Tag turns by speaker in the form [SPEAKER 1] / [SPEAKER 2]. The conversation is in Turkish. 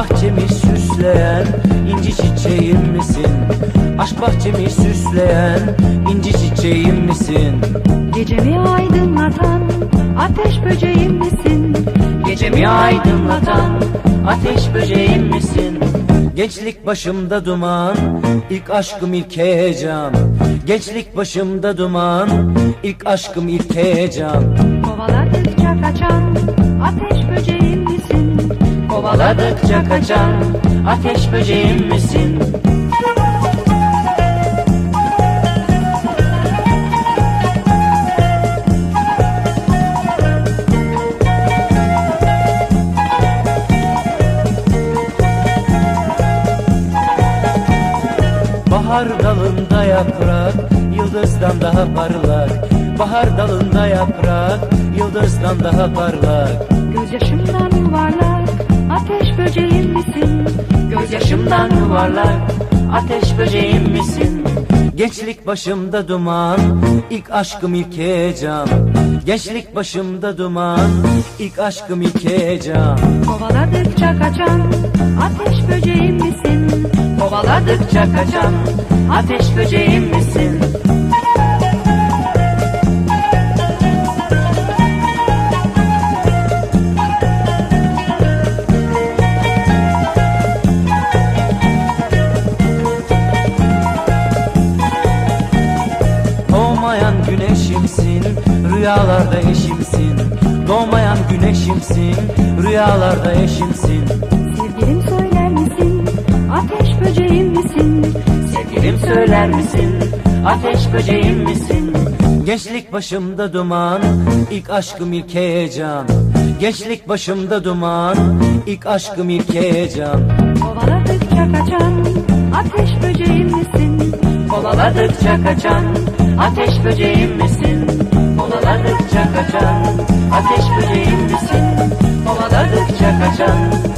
[SPEAKER 1] bahçemi süsleyen inci çiçeğim misin? Aşk bahçemi süsleyen inci çiçeğim misin?
[SPEAKER 2] Gecemi aydınlatan ateş böceğim misin?
[SPEAKER 1] Gecemi aydınlatan ateş böceğim misin? Gençlik başımda duman, ilk aşkım ilk heyecan. Gençlik başımda duman, ilk aşkım ilk heyecan.
[SPEAKER 2] Kovaladıkça kaçan ateş böceğim misin?
[SPEAKER 1] Kovaladıkça kaçan ateş böceğim misin? Bahar dalında yaprak, yıldızdan daha parlak. Bahar dalında yaprak, yıldızdan daha parlak.
[SPEAKER 2] Gözyaşımdan yuvarlak ateş böceğim misin?
[SPEAKER 1] Gözyaşımdan yuvarlak, ateş böceğim misin? Gençlik başımda duman, ilk aşkım ilk heyecan. Gençlik başımda duman, ilk aşkım ilk heyecan.
[SPEAKER 2] Kovaladıkça kaçan ateş böceğim misin?
[SPEAKER 1] Kovaladıkça kaçan ateş böceğim misin? Doğmayan güneşimsin, rüyalarda eşimsin. Doğmayan güneşimsin, rüyalarda eşimsin.
[SPEAKER 2] Sevgilim söyler misin? Ateş böceğim misin?
[SPEAKER 1] Sevgilim söyler misin? Ateş böceğim misin? Gençlik başımda duman, ilk aşkım ilk heyecan. Gençlik başımda duman, ilk aşkım ilk heyecan.
[SPEAKER 2] Kovaladıkça kaçan ateş böceğim misin?
[SPEAKER 1] Kovaladıkça kaçan ateş böceğim misin? Kovaladıkça kaçan ateş böceğim misin? Kovaladıkça kaçan